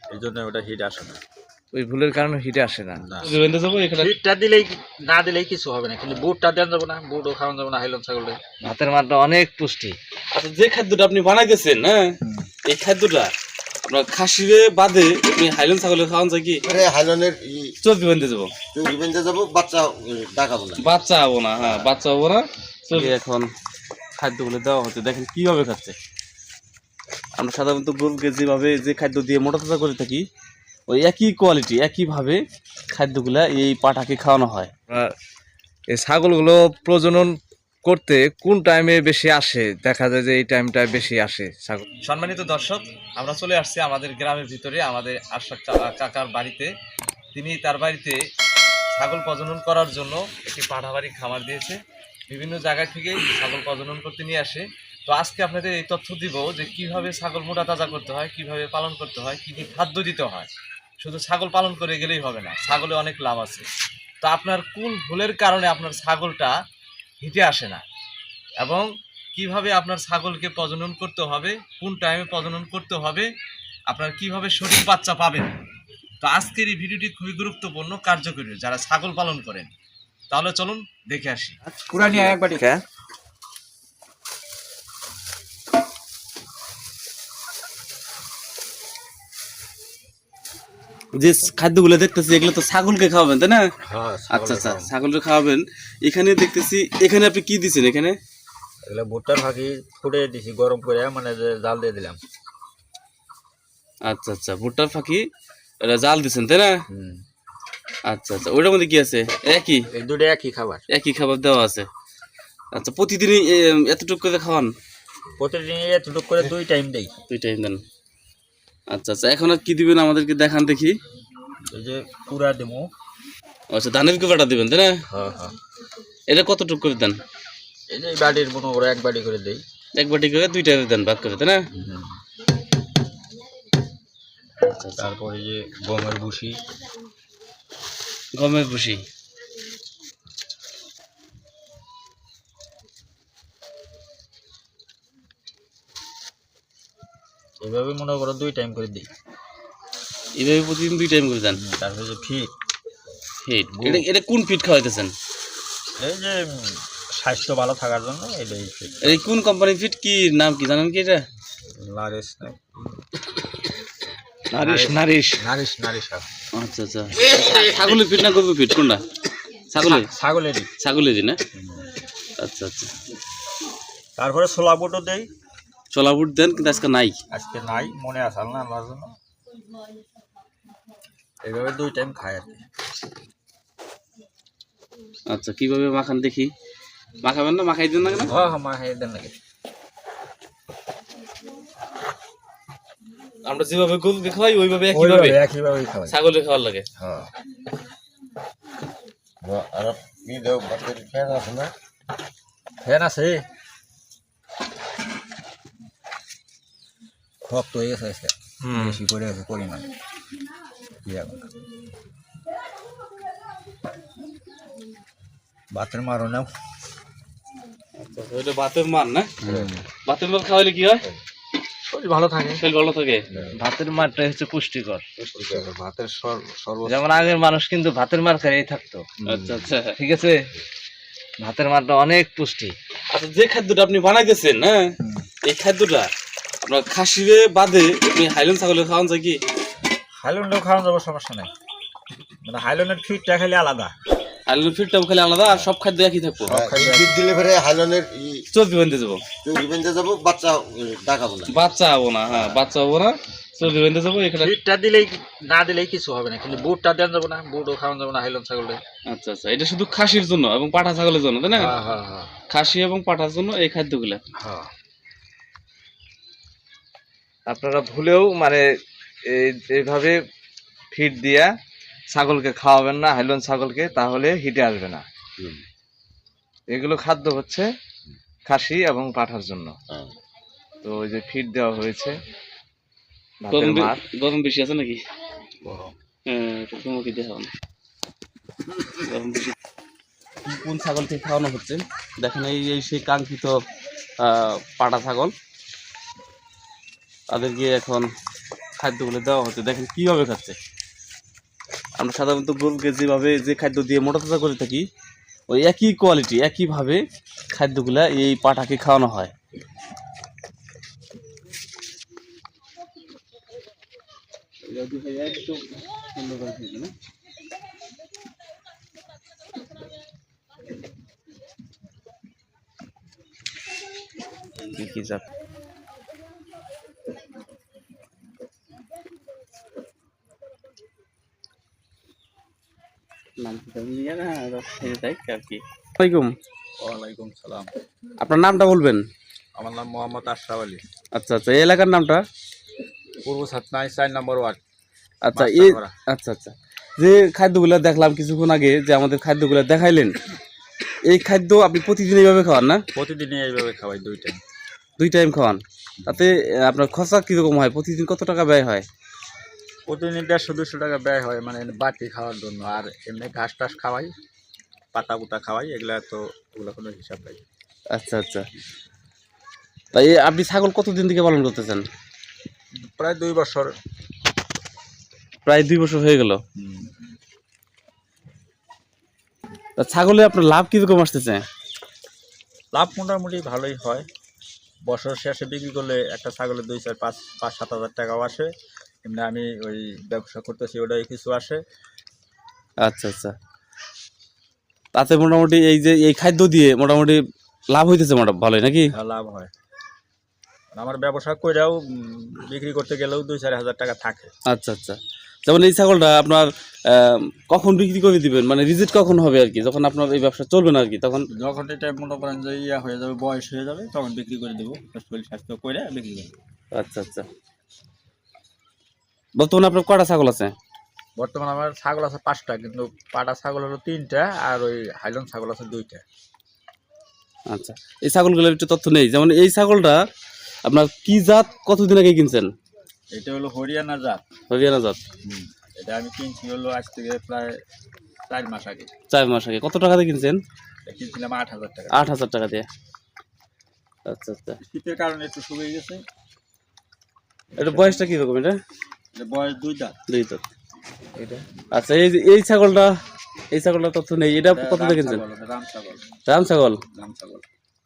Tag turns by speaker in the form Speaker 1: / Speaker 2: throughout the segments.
Speaker 1: এই জন্য ওটা হিট আসে না।
Speaker 2: ওই ভুলের কারণে হিটে আসে না।
Speaker 1: হিটটা দিলেই না দিলেই কিছু হবে না, কিন্তু বুটটা দেন যাবো না, বুটও খাওয়ান যাবো না হাইলন ছাগলে।
Speaker 2: ভাতের মারটা অনেক পুষ্টি।
Speaker 3: আচ্ছা, যে খাদ্যটা আপনি বানাইতেছেন, হ্যাঁ, এই খাদ্যটা আপনার খাসিরে বাদে আপনি হাইলন ছাগলে খাওয়ান যায় কি?
Speaker 4: হাইলনের
Speaker 3: চর্বি বানতে যাবো,
Speaker 4: চর্বি বানতে যাবো, বাচ্চা ডাকাবো না,
Speaker 3: বাচ্চা হবো না। হ্যাঁ, বাচ্চা হবো না। চর্বি এখন খাদ্যগুলো দেওয়া হচ্ছে, দেখেন কিভাবে খাচ্ছে। আমরা সাধারণত গরুকে যেভাবে যে খাদ্য দিয়ে মোটা তাজা করে থাকি, ওই একই কোয়ালিটি একইভাবে খাদ্যগুলা এই পাঠাকে খাওয়ানো হয়।
Speaker 2: এই ছাগলগুলো প্রজনন করতে কোন টাইমে বেশি আসে? দেখা যায় যে এই টাইমটায় বেশি আসে ছাগল। সম্মানিত দর্শক, আমরা চলে আসছি আমাদের গ্রামের ভিতরে, আমাদের আশরাফ কাকার বাড়িতে। তিনি তার বাড়িতে ছাগল প্রজনন করার জন্য একটি পাঠাবাড়ি খামার দিয়েছে। বিভিন্ন জায়গা থেকে ছাগল প্রজনন করতে নিয়ে আসে। তো আজকে আপনাদের এই তথ্য দিব যে কিভাবে ছাগল মোটা তাজা করতে হয়, কিভাবে পালন করতে হয়, কি কি খাদ্য দিতে হয়। শুধু ছাগল পালন করে গেলেই হবে না, ছাগলে অনেক লাভ আছে। তো আপনার কোন ভুলের কারণে আপনার ছাগলটা হিটে আসে না, এবং কিভাবে আপনার ছাগলকে প্রজনন করতে হবে, কোন টাইমে প্রজনন করতে হবে, আপনার কিভাবে সঠিক বাচ্চা পাবেন। তো আজকের এই ভিডিওটি খুবই গুরুত্বপূর্ণ, কার্যকরী যারা ছাগল পালন করেন। তাহলে চলুন দেখে আসি।
Speaker 1: পুরানি একবারই
Speaker 3: যে খাদ্যগুলো দেখতেছি এগুলো তো ছাগলকে খাওয়াবেন, তাই না? আচ্ছা আচ্ছা, ছাগলকে খাওয়াবেন। এখানে দেখতেছি, এখানে আপনি কি দিচ্ছেন? এখানে
Speaker 1: এগুলো ভুট্টার ফাঁকি ফুটে দিছি গরম করে, মানে যে জাল দিয়ে দিলাম।
Speaker 3: আচ্ছা আচ্ছা, ভুট্টার ফাঁকি এটা জাল দিচ্ছেন, তাই না? আচ্ছা আচ্ছা, ওইটার মধ্যে কি আছে? একই,
Speaker 1: এই দুটো একই খাবার,
Speaker 3: একই খাবার দেওয়া আছে। আচ্ছা, প্রতিদিনই এতটুকু করে খাওয়ান?
Speaker 1: প্রতিদিন এতটুকু করে 2 টাইম দেই।
Speaker 3: 2 টাইম দেন। আচ্ছা আচ্ছা, এখন আর কি দিবেন আমাদেরকে দেখান দেখি।
Speaker 1: এই যে পুরা দেবো।
Speaker 3: আচ্ছা, ধানের কুপাটা দিবেন, তাই না?
Speaker 1: হ্যাঁ হ্যাঁ,
Speaker 3: এটা কতটুকু করে দেন?
Speaker 1: এই যে বাড়ির মনে করে 1 বাটি করে দেই।
Speaker 3: 1 বাটি করে 2 টাইমে দেন, ভাগ করে, তাই না?
Speaker 1: তারপরে যে গমের ভুসি,
Speaker 3: গমের ভুসি।
Speaker 1: এইভাবে মনে করো 2 টাইম করে দিই।
Speaker 3: এইভাবে প্রতিদিন 2 টাইম করে দেন।
Speaker 1: তারপরে যে ফিট,
Speaker 3: এটা এটা কোন ফিট খাওয়াইতেছেন?
Speaker 1: এই যে স্বাস্থ্য ভালো থাকার জন্য এটাই ফিট।
Speaker 3: এই কোন কোম্পানির ফিট, কি নাম কি জানেন কি? এটা
Speaker 1: নারিশ
Speaker 2: নারিশ নারিশ
Speaker 1: নারিশ নারিশ।
Speaker 3: আচ্ছা আচ্ছা, ছাগলের ফিট না গরুর ফিট, কোনটা?
Speaker 1: ছাগলেরই।
Speaker 3: ছাগলেরই না? আচ্ছা আচ্ছা।
Speaker 1: তারপরে ছোলা বুটও দেই।
Speaker 3: ছোলা বুট দেন, কিন্তু আজকে নাই।
Speaker 1: আজকে নাই, মনে আসাল না আল্লাহর জন্য। এইভাবে 2 টাইম খাই আর কি।
Speaker 3: আচ্ছা, কিভাবে মাখান দেখি? মাখাবেন না, মাখাই দেন না কেন?
Speaker 1: হ্যাঁ হ্যাঁ, মা খাই দেন নাকি।
Speaker 3: আমরা যেভাবে গরুকে খাওয়াই ওইভাবে একইভাবে
Speaker 1: একইভাবেই খাওয়াই।
Speaker 3: ছাগলের খাওয়ার লাগে।
Speaker 1: হ্যাঁ,
Speaker 4: আর কি দেও বাচ্চার ফ্যান আছে না,
Speaker 1: ফ্যান আছে। শক্ত হয়ে গেছে আজকে, বেশি করে গেছে পরিমাণ। ভাতের মারও নাও।
Speaker 3: আচ্ছা, ওইটা ভাতের মান না? ভাতের মান খাওয়াইলে কি হয়?
Speaker 1: শরীর ভালো থাকে।
Speaker 3: শরীর ভালো থাকে।
Speaker 2: ভাতের মারটা হচ্ছে পুষ্টিকর।
Speaker 1: ভাতের সর্ব
Speaker 2: যেমন আগের মানুষ কিন্তু ভাতের মার খেয়েই থাকতো।
Speaker 3: আচ্ছা আচ্ছা,
Speaker 2: ঠিক আছে, ভাতের মারটা অনেক পুষ্টি।
Speaker 3: আচ্ছা, যে খাদ্যটা আপনি বানাইতেছেন, হ্যাঁ, এই খাদ্যটা আপনার খাসিরে বাদে আপনি হাইলন ছাগলের খাওয়ান যায় কি?
Speaker 1: হাইল্যান্ডও খাওয়ানো যাবো, সমস্যা নাই। মানে হাইল্যান্ডের ফিটটা খালি আলাদা,
Speaker 3: হাইলনের ফিটটাও খালি আলাদা, আর সব খাদ্য একই থাকবো।
Speaker 4: ফিট দিলে পরে হাইলনের
Speaker 3: চর্বি বানতে যাবো,
Speaker 4: চর্বি বানতে যাবো, বাচ্চা ডাকাবো না,
Speaker 3: বাচ্চা হবো না। হ্যাঁ, বাচ্চা হবো না, চর্বি বানতে যাবো। এখানে
Speaker 1: ফিটটা দিলেই না দিলেই কিছু হবে না, কিন্তু বুটটা দেন যাবো না, বুটও খাওয়ানো যাবো না হাইল্যান্ড ছাগলে।
Speaker 3: আচ্ছা আচ্ছা, এটা শুধু খাসির জন্য এবং পাঠা ছাগলের জন্য, তাই না?
Speaker 1: হ্যাঁ হ্যাঁ হ্যাঁ
Speaker 3: খাসি এবং পাঠার জন্য এই খাদ্যগুলা।
Speaker 1: হ্যাঁ।
Speaker 2: আপনারা ভুলেও মানে এইভাবে ফিড দিয়া ছাগলকে খাওয়াবেন না, হাইলন ছাগলকে, তাহলে হিটে আসবে না। এগুলো খাদ্য হচ্ছে খাসি এবং পাঠার জন্য। তো ওই যে ফিড দেওয়া হয়েছে, ভাতের মার।
Speaker 3: গরম বেশি আছে নাকি? হ্যাঁ, তোমাকে দেখাও না। গরম বেশি। কোন ছাগলকে খাওয়ানো হচ্ছে দেখেন, এই সেই কাঙ্ক্ষিত পাটা ছাগল। তাদেরকে এখন খাদ্যগুলো দেওয়া হচ্ছে, দেখেন কিভাবে খাচ্ছে। আমরা সাধারণত গরুকে যেভাবে যে খাদ্য দিয়ে মোটা তাজা করে থাকি, ওই একই কোয়ালিটি একইভাবে খাদ্যগুলা এই পাঠাকে খাওয়ানো হয়।
Speaker 2: কি জাত?
Speaker 1: ওয়ালাইকুম সালাম।
Speaker 3: আপনার নামটা বলবেন?
Speaker 1: আমার নাম মোহাম্মদ আশরাফ আলী।
Speaker 3: আচ্ছা আচ্ছা, এই এলাকার নামটা?
Speaker 1: পূর্ব সাতনাই 4 নম্বর ওয়ার্ড।
Speaker 3: আচ্ছা এই আচ্ছা আচ্ছা, যে খাদ্যগুলো দেখলাম কিছুক্ষণ আগে, যে আমাদের খাদ্যগুলো দেখাইলেন, এই খাদ্য আপনি প্রতিদিন এইভাবে খাওয়ান না?
Speaker 1: প্রতিদিনই এইভাবে খাওয়াই 2 টাইম।
Speaker 3: 2 টাইম খাওয়ান, তাতে আপনার খরচা কীরকম হয়? প্রতিদিন কত টাকা ব্যয় হয়?
Speaker 1: প্রতিদিন 150-200 টাকা ব্যয় হয়, মানে বাটি খাওয়ার জন্য। আর এমনি ঘাস টাস খাওয়াই, পাতা পুতা খাওয়াই, এগুলা তো ওগুলো কোনো হিসাব নাই।
Speaker 3: আচ্ছা আচ্ছা, তাই আপনি ছাগল কতদিন থেকে পালন করতেছেন?
Speaker 1: প্রায় 2 বছর।
Speaker 3: প্রায় 2 বছর হয়ে গেল। তা ছাগলে আপনার লাভ কীরকম আসতেছে?
Speaker 1: লাভ মোটামুটি ভালোই হয়। বছর শেষে বিক্রি করলে একটা ছাগলের 2, 4, 5-7 হাজার টাকাও আসে। এমনি আমি ওই ব্যবসা করতেছি, ওটাই কিছু আসে।
Speaker 3: আচ্ছা আচ্ছা, তাতে মোটামুটি এই যে এই খাদ্য দিয়ে মোটামুটি লাভ হইতেছে ভালোই নাকি?
Speaker 1: লাভ হয়। আমার ব্যবসা কইরাও বিক্রি করতে গেলেও 2-4 হাজার টাকা থাকে।
Speaker 3: আচ্ছা আচ্ছা, যেমন এই ছাগলটা আপনার কখন বিক্রি করে দিবেন, মানে রিজেক্ট কখন হবে আর কি, যখন আপনার এই ব্যবসা চলবে না আর কি, তখন?
Speaker 1: যখন এটা মনে করেন যে ইয়া হয়ে যাবে, বয়স হয়ে যাবে, তখন বিক্রি করে দেবো। শরীর স্বাস্থ্য করে বিক্রি করে দেবো।
Speaker 3: আচ্ছা আচ্ছা, বর্তমানে আপনার কয়টা ছাগল আছে?
Speaker 1: বর্তমানে আমার ছাগল আছে 5টা, কিন্তু পাটা ছাগল হলো 3টা, আর ওই হাইলন ছাগল আছে 2টা।
Speaker 3: আচ্ছা, এই ছাগলগুলোর একটু তথ্য নেই। যেমন এই ছাগলটা আপনার কি জাত, কতদিন আগে কিনছেন?
Speaker 1: এটা হলো হরিয়ানা জাত।
Speaker 3: হরিয়ানা জাত।
Speaker 1: এটা আমি কিনছি হলো আজ থেকে প্রায় 4 মাস আগে।
Speaker 3: 4 মাস আগে। কত টাকা দিয়ে কিনছেন?
Speaker 1: এটা কিনছিলাম 8,000 টাকা।
Speaker 3: 8,000 টাকা দিয়ে। আচ্ছা আচ্ছা,
Speaker 1: শীতের কারণে একটু শুকিয়ে গেছে।
Speaker 3: এটা বয়সটা কিরকম? এটা
Speaker 1: বয়স 2 দাঁত।
Speaker 3: 2 দাঁত। এটা আচ্ছা, এই ছাগলটা, এই ছাগলটা তথ্য নেই। এটা কত দিয়ে কিনছেন?
Speaker 1: রাম ছাগল।
Speaker 3: রাম ছাগল।
Speaker 1: রাম ছাগল।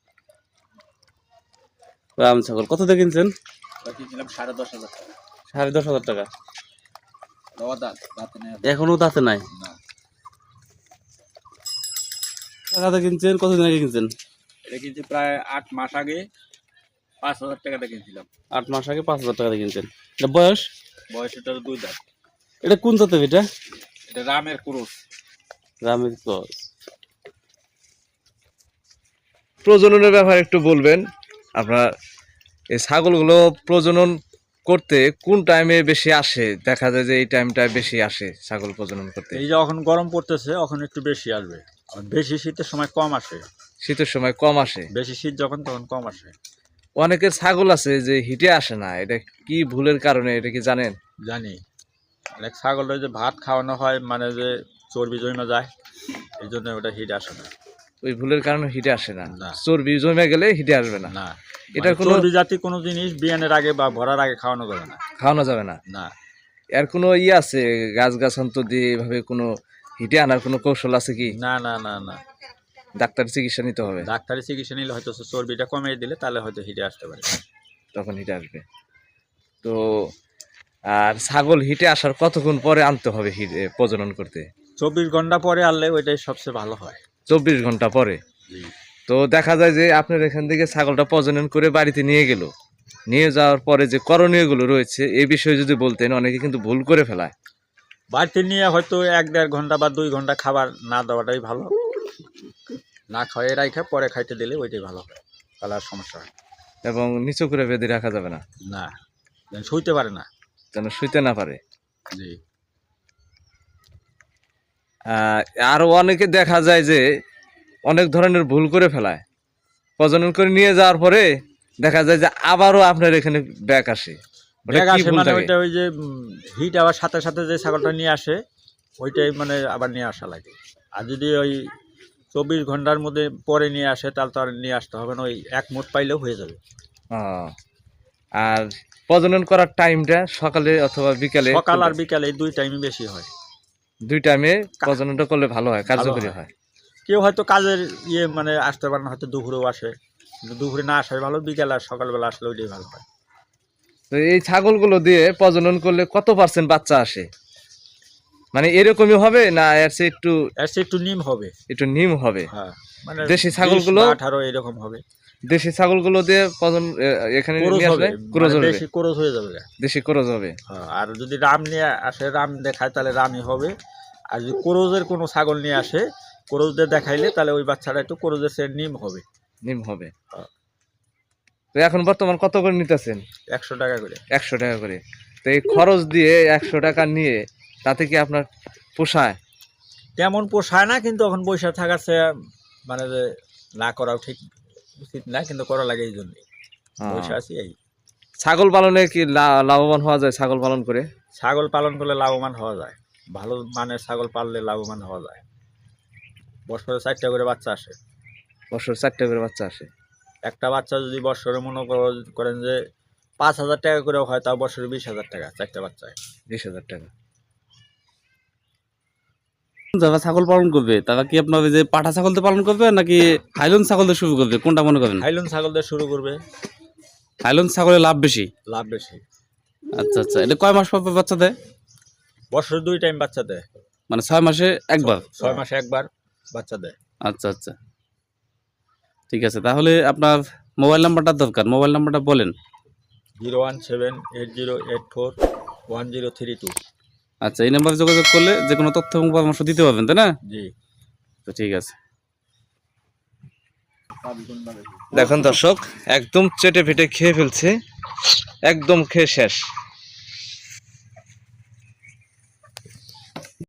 Speaker 3: রাম ছাগল কত দিয়ে কিনছেন?
Speaker 1: এটা কিনছিলাম 10,500 টাকা।
Speaker 3: 10,500 টাকা।
Speaker 1: দাঁতে নেই।
Speaker 3: এখনো দাঁতে নাই?
Speaker 1: না।
Speaker 3: টাকাতে কিনছেন, কতদিন আগে কিনছেন?
Speaker 1: এটা কিনছি প্রায় 8 মাস আগে, 5,000 টাকাতে কিনছিলাম।
Speaker 3: 8 মাস আগে 5,000 টাকা দিয়ে কিনছেন। এটা বয়স?
Speaker 1: বয়স এটার 2 দাঁত।
Speaker 3: এটা কোন জাতের? এটা
Speaker 1: এটা রামের ক্রস।
Speaker 3: রামের ক্রস।
Speaker 2: প্রজননের ব্যাপারে একটু বলবেন। আপনার এই ছাগলগুলো প্রজনন করতে কোন টাইমে বেশি আসে? দেখা যায় যে এই টাইমটায় বেশি আসে ছাগল প্রজনন করতে।
Speaker 1: এই যখন গরম পড়তেছে এখন একটু বেশি আসবে, আর বেশি শীতের সময় কম আসে।
Speaker 2: শীতের সময় কম আসে।
Speaker 1: বেশি শীত যখন তখন কম আসে।
Speaker 2: অনেকের ছাগল আছে যে হিটে আসে না, এটা কি ভুলের কারণে, এটা কি জানেন?
Speaker 1: জানি। অনেক ছাগল যে ভাত খাওয়ানো হয়, মানে যে চর্বি জমে যায়, এই জন্য ওটা হিট আসে না।
Speaker 2: ওই ভুলের কারণে হিটে আসে না?
Speaker 1: না।
Speaker 2: চর্বি জমে গেলে হিটে আসবে না?
Speaker 1: না,
Speaker 2: এটার কোনো
Speaker 1: চর্বি জাতীয় কোনো জিনিস বিয়ানের আগে বা ভরার আগে খাওয়ানো যাবে না।
Speaker 2: খাওয়ানো যাবে না?
Speaker 1: না।
Speaker 2: এর কোনো আছে গাছগাছান্ত দিয়ে এভাবে কোনো হিটে আনার কোনো কৌশল আছে কি?
Speaker 1: না না না না,
Speaker 2: ডাক্তার চিকিৎসা নিতে হবে?
Speaker 1: ডাক্তারি চিকিৎসা নিলে হয়তো চর্বিটা কমিয়ে দিলে তাহলে হয়তো হিটে আসতে পারে,
Speaker 2: তখন হিটে আসবে। তো আর ছাগল হিটে আসার কতক্ষণ পরে আনতে হবে হিটে প্রজনন করতে?
Speaker 1: 24 ঘন্টা পরে আনলে ওইটাই সবচেয়ে ভালো হয়।
Speaker 2: 24 ঘন্টা পরে? তো দেখা যায় যে আপনার এখান থেকে ছাগলটা প্রজনন করে বাড়িতে নিয়ে গেল, নিয়ে যাওয়ার পরে যে করণীয়গুলো রয়েছে এই বিষয়ে যদি বলতেন। অনেকে কিন্তু ভুল করে ফেলায়।
Speaker 1: বাড়িতে নিয়ে হয়তো 1-1.5 ঘন্টা বা 2 ঘন্টা খাবার না দেওয়াটাই ভালো। না খাওয়াই রাখা পরে খাইতে দিলে ওইটাই ভালো হয়, তাহলে আর সমস্যা হয়।
Speaker 2: এবং নিচু করে বেঁধে রাখা যাবে না?
Speaker 1: না, যেন শুইতে পারে না।
Speaker 2: যেন শুইতে না পারে।
Speaker 1: জি।
Speaker 2: আরও অনেকে দেখা যায় যে অনেক ধরনের ভুল করে ফেলায়। প্রজনন করে নিয়ে যাওয়ার পরে দেখা যায় যে আবারও আপনার এখানে ব্যাক আসে।
Speaker 1: ব্যাগ আসে মানে ওইটা ওই যে হিট আবার সাথে সাথে যে ছাগলটা নিয়ে আসে ওইটাই মানে আবার নিয়ে আসা লাগে। আর যদি ওই 24 ঘন্টার মধ্যে পরে নিয়ে আসে তাহলে তো আর নিয়ে আসতে হবে না, ওই 1 মুঠ পাইলেও হয়ে যাবে।
Speaker 2: আর প্রজনন করার টাইমটা সকালে অথবা বিকালে?
Speaker 1: সকাল আর বিকালে এই দুই টাইমই বেশি হয়।
Speaker 2: দুই টাইমে প্রজননটা করলে ভালো হয়, কার্যকরী
Speaker 1: হয়।
Speaker 2: হয়।
Speaker 1: কেউ হয়তো কাজের মানে আসতে পারে না, হয়তো দুপুরেও আসে, কিন্তু দুপুরে না আসাই ভালো, বিকালে আর সকালবেলা আসলে ওইটাই ভালো হয়।
Speaker 2: তো এই ছাগলগুলো দিয়ে প্রজনন করলে কত % বাচ্চা আসে? মানে এরকমই হবে না এর চেয়ে
Speaker 1: একটু নিম হবে,
Speaker 2: একটু নিম হবে?
Speaker 1: হ্যাঁ, মানে
Speaker 2: দেশি ছাগলগুলো
Speaker 1: 18 এরকম হবে।
Speaker 2: দেশি ছাগলগুলো দিয়ে এখানে নিয়ে আসলে ক্রোজ হবে,
Speaker 1: দেশি ক্রোজ হয়ে যাবে।
Speaker 2: দেশি ক্রোজ হবে।
Speaker 1: হ্যাঁ, আর যদি রাম নিয়ে আসে, রাম দেখায়, তাহলে রামই হবে। আর যদি ক্রোজের কোনো ছাগল নিয়ে আসে, ক্রোজদের দেখাইলে তাহলে ওই বাচ্চাটা একটু ক্রোজের সে নিম হবে।
Speaker 2: নিম হবে।
Speaker 1: হ্যাঁ।
Speaker 2: তো এখন বর্তমান কত করে নিতেছেন?
Speaker 1: 100 টাকা করে।
Speaker 2: 100 টাকা করে। তো এই খরচ দিয়ে 100 টাকা নিয়ে তাতে কি আপনার পোষায়?
Speaker 1: তেমন পোষায় না, কিন্তু এখন পয়সা থাকার চেয়ে মানে যে না করাও ঠিক উচিত না, কিন্তু করা লাগে এই জন্যই পয়সা আছে। এই
Speaker 2: ছাগল পালনে কি লাভবান হওয়া যায়? ছাগল পালন করে
Speaker 1: ছাগল পালন করলে লাভবান হওয়া যায়, ভালো মানের ছাগল পাললে লাভবান হওয়া যায়। বছরে 4টা করে বাচ্চা আসে।
Speaker 2: বছর 4টা করে বাচ্চা আসে।
Speaker 1: একটা বাচ্চা যদি বছরে মনে করেন যে 5,000 টাকা করে হয়, তাও বছরে 20,000 টাকা 4টা বাচ্চায়।
Speaker 2: 20,000 টাকা।
Speaker 3: যারা ছাগল পালন করবে তারা কি আপনার ওই যে পাঠা ছাগল দিয়ে পালন করবে নাকি হাইলন ছাগল দিয়ে শুরু করবে, কোনটা মনে করেন?
Speaker 1: হাইলন ছাগল দিয়ে শুরু করবে,
Speaker 3: হাইলন ছাগলের লাভ বেশি।
Speaker 1: লাভ বেশি।
Speaker 3: আচ্ছা আচ্ছা, এটা কয় মাস পর পর বাচ্চা দেয়?
Speaker 1: বছরে 2 টাইম বাচ্চা দেয়,
Speaker 3: মানে 6 মাসে একবার?
Speaker 1: 6 মাসে একবার বাচ্চা দেয়।
Speaker 3: আচ্ছা আচ্ছা, ঠিক আছে। তাহলে আপনার মোবাইল নাম্বারটা দরকার, মোবাইল নাম্বারটা বলেন।
Speaker 1: 01780841032।
Speaker 3: আচ্ছা, এই নাম্বারে যোগাযোগ করলে যে কোনো তথ্য এবং পরামর্শ দিতে পারবেন, তাই না?
Speaker 1: জি।
Speaker 3: তো ঠিক আছে।
Speaker 2: দেখুন দর্শক, একদম চেটে ফেটে খেয়ে ফেলছে, একদম খেয়ে শেষ।